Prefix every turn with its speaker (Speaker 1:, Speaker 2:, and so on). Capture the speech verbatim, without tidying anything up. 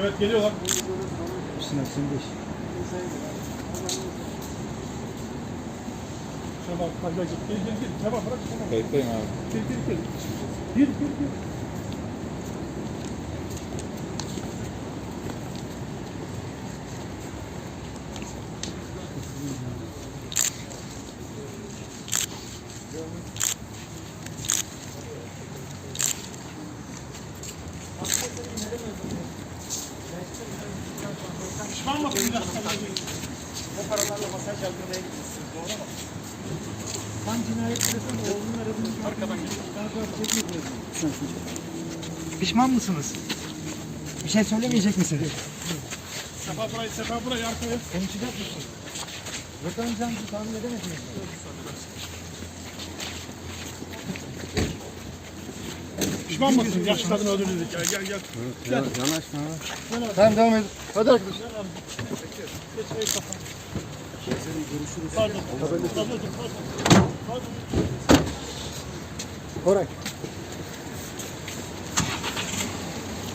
Speaker 1: Evet geliyorlar.
Speaker 2: Sinan sen de.
Speaker 1: Şabap hadi gel gel gel gel. Şabap bırak şabap.
Speaker 3: Kayıttayım abi.
Speaker 1: Gel gel gel. Gir gir gir. Pişman mısın? O paralarla masaj yaptırmaya gitmişsiniz, doğru mu?
Speaker 2: Tam cinayet sırasında oğlunun arabını
Speaker 1: Arkadan geliyor.
Speaker 2: Pişman mısınız? Bir şey söylemeyecek misiniz?
Speaker 1: Sefa burayı, sefa burayı arkaya.
Speaker 2: Konuşacak mısın? Yakalanacağınızı tahmin edemediniz.
Speaker 1: Pişman mısın? Yaşlı kadını öldürdük. Gel gel gel.
Speaker 3: Ya, yanaşma abi.
Speaker 2: Tamam devam edin. Hadi arkadaşlar.
Speaker 1: Geç ayı kafa. Pardon. Pardon. Pardon. Pardon.
Speaker 2: Koray.